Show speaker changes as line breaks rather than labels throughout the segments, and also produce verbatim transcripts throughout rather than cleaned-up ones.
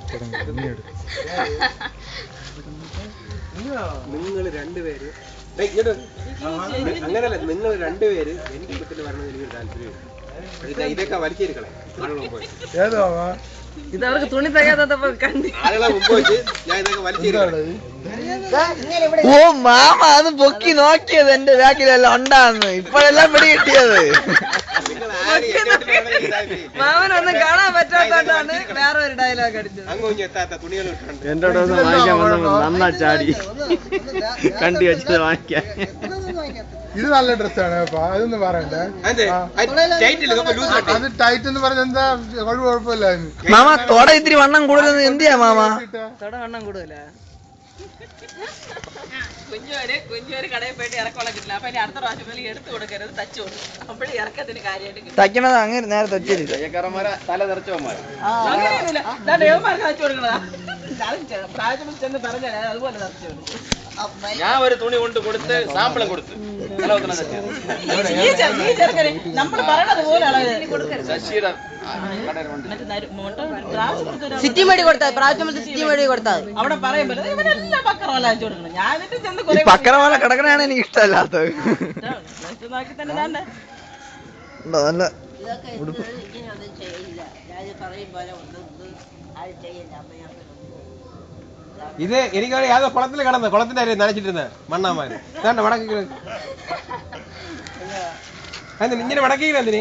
നിങ്ങൾ രണ്ടുപേര് അങ്ങനല്ല, നിങ്ങൾ രണ്ടുപേര് എന്റെ വീട്ടിൽ വരണമെന്ന് എനിക്ക് താല്പര്യമില്ല. ഇതൊക്കെ വലിച്ചെടുക്കളെ ആളുകളെ പോയി
ഇത് അവർക്ക് തുണി തയ്യാത്തപ്പോ കണ്ടി
ആളുകളെ മുമ്പ് വെച്ച് ഞാൻ ഇതൊക്കെ വലിച്ചെടുക്കളെ.
ഓ മാമ അത് പൊക്കി നോക്കിയത് എന്റെ ബാക്കിലെല്ലാം ഉണ്ടാന്ന് ഇപ്പോഴെല്ലാം പിടി കിട്ടിയത്.
മാമനൊന്നും കാണാൻ പറ്റാത്തോണ്ടാണ് വേറെ ഒരു ഡയലോഗ് അടിച്ചത്.
അങ്ങ് എത്താത്ത തുണികൾ
എന്റെ വാങ്ങിക്കാൻ വന്നപ്പോ നന്നാ ചാടി കണ്ടി വെച്ചത് വാങ്ങിക്കാൻ.
ഇത് നല്ല ഡ്രസ്സാണ്, അതൊന്നും പറയണ്ടേ. അത് ടൈറ്റ് എന്ന് പറഞ്ഞ എന്താ കുഴപ്പമില്ല.
മാമ തൊട ഇത്തിരി വണ്ണം കൂടുതൽ എന്തിയാ മാമ?
തൊട വണ്ണം കൂടുതല. കുഞ്ഞോര് കുഞ്ഞോര് കടയിൽ പോയിട്ട് ഇറക്കോളം കിട്ടില്ല. അപ്പൊ ഇനി അടുത്ത പ്രാവശ്യം പോലെ എടുത്തു കൊടുക്കരുത്, തച്ചു കൊടുക്കും. അപ്പോഴും ഇറക്കത്തിന് കാര്യമായിട്ട്
തയ്ക്കണത് അങ്ങനെ നേരെ തച്ചില്ല.
തല തെറിച്ചവന്മാര്
അങ്ങനെയൊന്നുമില്ല. ദേവന്മാർക്ക് തച്ചു കൊടുക്കണതാ. പ്രാവശ്യം ചെന്ന് പറഞ്ഞാൽ അതുപോലെ തച്ചു കൊടുക്കും.
ഞാൻ ഒരു തുണി കൊണ്ട് കൊടുത്ത് സാമ്പിളും കൊടുത്ത്
നമ്മൾ പറയണത് പോലെയാണ്.
ശശിയുടെ
സിറ്റി മേടി കൊടുത്താൽ പ്രാവശ്യം സിറ്റി മേടി കൊടുത്താൽ അവിടെ പറയുമ്പോ ഇവരെല്ലാം പക്കറവല അയച്ചു കൊടുക്കണം. ഞാൻ എന്നിട്ട് ചെന്ന്
പക്കറവല കിടക്കണാണ് എനിക്ക് ഇഷ്ടമല്ലാത്തത്.
നോക്കി തന്നെ തന്നെ
നല്ല
ഇത് എനിക്ക് യാതൊരു കുളത്തിൽ കിടന്ന് കുളത്തിന്റെ അരി നനച്ചിട്ടിരുന്ന മണ്ണാമാര് വേണ്ട മടക്കി എന്തിന് ഇങ്ങനെ മടക്കിയില്ല എന്തിന്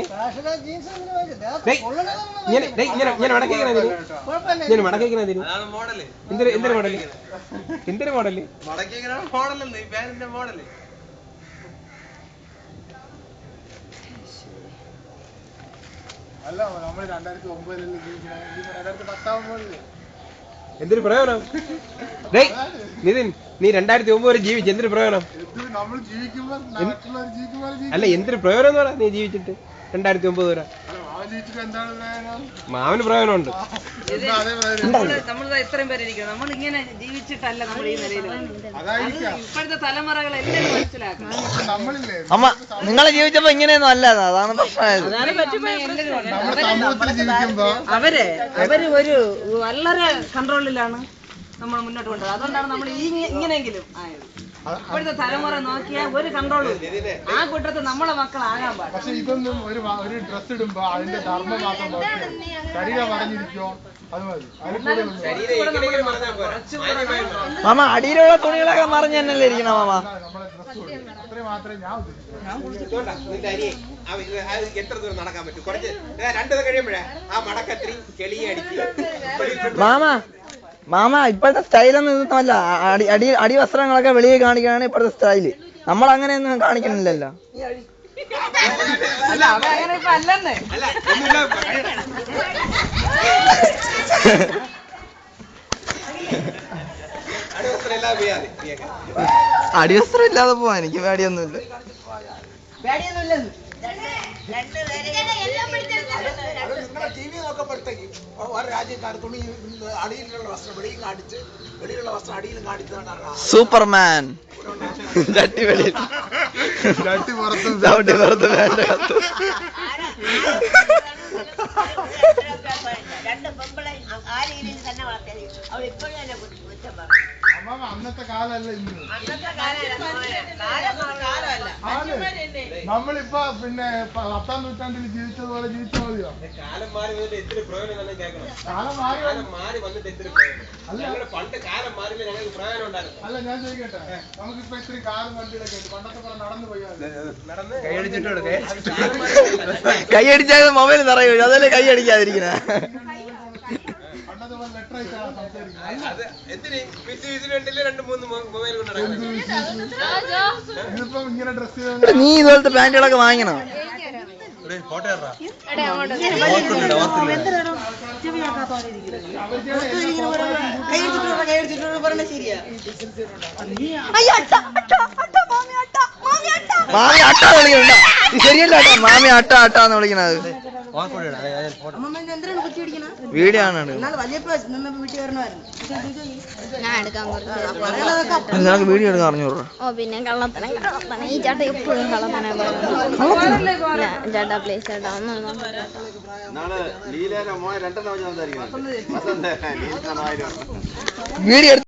ഇങ്ങനെ ഇങ്ങനെ മടക്കിക്കണ എന്തിന് ഇങ്ങനെ മടക്കിക്കണ എന്തിന് എന്തൊരു എന്തൊരു മോഡല് എന്തൊരു മോഡല് മോഡല്
അല്ല നമ്മൾ രണ്ടായിരത്തി ഒമ്പതിൽ രണ്ടായിരത്തി പത്താവുമ്പോഴല്ലേ
എന്തൊരു പ്രയോജനം? നിതിൻ, നീ രണ്ടായിരത്തി ഒമ്പത് വരെ ജീവിച്ചു, എന്തൊരു പ്രയോജനം? അല്ല എന്തൊരു പ്രയോജനം എന്ന് പറയാ നീ ജീവിച്ചിട്ട് രണ്ടായിരത്തി ഒമ്പത് വരെ? മാവന് പ്രയോജനമുണ്ട്.
നമ്മൾ ഇത്രയും പേരിരിക്കണം, നമ്മൾ ഇങ്ങനെ ജീവിച്ചിട്ടല്ല നമ്മൾ ഈ നിലയിൽ. ഇപ്പോഴത്തെ തലമുറകൾ എല്ലാവരും മനസ്സിലാക്കണം.
അമ്മ നിങ്ങളെ ജീവിച്ചപ്പോ ഇങ്ങനെയൊന്നും അല്ല, അതാണ് പ്രശ്നമായത്.
അവര് അവര് ഒരു വളരെ കൺട്രോളിലാണ് നമ്മൾ മുന്നോട്ട് കൊണ്ടുപോകുന്നത്. അതുകൊണ്ടാണ് നമ്മൾ ഈ ഇങ്ങനെയെങ്കിലും ആയത്. ഇപ്പോഴത്തെ തലമുറ നോക്കിയാൽ ഒരു കൺട്രോളും ആ കൂട്ടത്തിൽ നമ്മളെ മക്കളാകാൻ പാടില്ല.
പക്ഷെ ഇതൊന്നും ഒരു ഒരു ഡ്രസ് ഇടുമ്പോ അതിന്റെ ധർമ്മം മാത്രം ശരീരം പറഞ്ഞിരിക്കോ അത് മതി.
മാമ അടിയിലുള്ള തുണികളൊക്കെ മറിഞ്ഞ് തന്നെയല്ലേ ഇരിക്കണ മാമ?
നമ്മളെ ഡ്രസ് അത്രയും മാത്രമേ ഞാൻ
എത്ര ദൂരം നടക്കാൻ പറ്റും? കുറച്ച് രണ്ടു കഴിയുമ്പോഴേ ആ മടക്കത്തിരി ചെളിയെ അടിച്ച്
മാമ മാമ ഇപ്പോഴത്തെ സ്റ്റൈലൊന്നും ഇതൊന്നുമല്ല. അടി അടി അടി വസ്ത്രങ്ങളൊക്കെ വെളിയിൽ കാണിക്കാനാണ് ഇപ്പോഴത്തെ സ്റ്റൈല്. നമ്മൾ അങ്ങനെയൊന്നും കാണിക്കണില്ലല്ലോ.
അല്ല അവ അങ്ങനെ ഇപ്പൊ അല്ലെന്നേ.
അടിവസ്ത്രം ഇല്ലാതെ പോവാ എനിക്ക് പേടിയൊന്നുമില്ല.
ടി വി നോക്കപ്പെടുത്തേക്ക് ഒരു രാജ്യക്കാർ തുണി അടിയിലുള്ള വസ്ത്രം വെളിയിൽ കാണിച്ച് വെളിയിലുള്ള വസ്ത്രം അടിയിലും കാണിച്ചതാണ്
സൂപ്പർമാൻ. ചട്ടി വെളിയിൽ ചട്ടി പുറത്ത് ചവിട്ടി പുറത്ത് വേണ്ട കത്ത്.
രണ്ട് പെമ്പിളെ ആ രീതിയിൽ തന്നെ വളർത്തിയത് അവൾ ഇപ്പോഴും തന്നെ കുറ്റം പറഞ്ഞു.
അന്നത്തെ കാലല്ല ഇന്ന്.
അന്നത്തെ കാലമല്ല.
നമ്മളിപ്പോ പിന്നെ പത്താം നൂറ്റാണ്ടിൽ ജീവിച്ചതുപോലെ ജീവിച്ചാൽ മതിയോ?
കാലം മാറി വന്നിട്ട് എത്ര പ്രയോജനം തന്നെ കേൾക്കണം.
കാലം മാറി
മാറി വന്നിട്ട് എത്ര പ്രയോജനം? ഞങ്ങളുടെ പണ്ട് കാലം മാറിയില്ല, ഞങ്ങൾക്ക് പ്രയോജനം ഉണ്ടായിരുന്നു.
അല്ല ഞാൻ ചോദിക്കട്ടെ, നമുക്കിപ്പോ ഇത്രയും കാലം വണ്ടിയിലൊക്കെ ഉണ്ട്, പണ്ടത്തെ പോലെ നടന്നു പോയാൽ
നടന്ന് കൈയടിച്ചിട്ടുണ്ട്.
കൈയടിച്ചാൽ മൊബൈൽ നിറയോ? അതല്ലേ കൈ അടിക്കാതിരിക്കണ. നീ ഇതുപോലത്തെ പാന്റുകളൊക്കെ വാങ്ങണം. മാമി അട്ട വിളിക്കണ്ട, ശരിയല്ല കേട്ടോ. മാമി അട്ട അട്ടാന്ന് വിളിക്കണത്.
അമ്മമ്മ ഇത് എന്തിനാണ് കുത്തി പിടിക്കണ
വീഡിയോ ആണ്
എന്നാലും വലിയപ്പോ നിന്നപ്പോ വീട്ടിൽ വരണമായിരുന്നു
ഞാൻ എടുക്കാൻ പറഞ്ഞു
നിനക്ക് വീഡിയോ എടുക്കാൻ അറിഞ്ഞൂടാ
ഓ പിന്നെ കള്ളത്തനം കള്ളത്തനം ഈ ചേട്ടൻ എപ്പോഴും കള്ളത്തനെ പറയുന്നത് ചേട്ടാ പ്ലീസ് ചേട്ടാ ഒന്നും
നാളെ ലീലേരെ മോൻ രണ്ടെണ്ണം വെച്ച് സംസാരിക്കുന്നത്
വീഡിയോ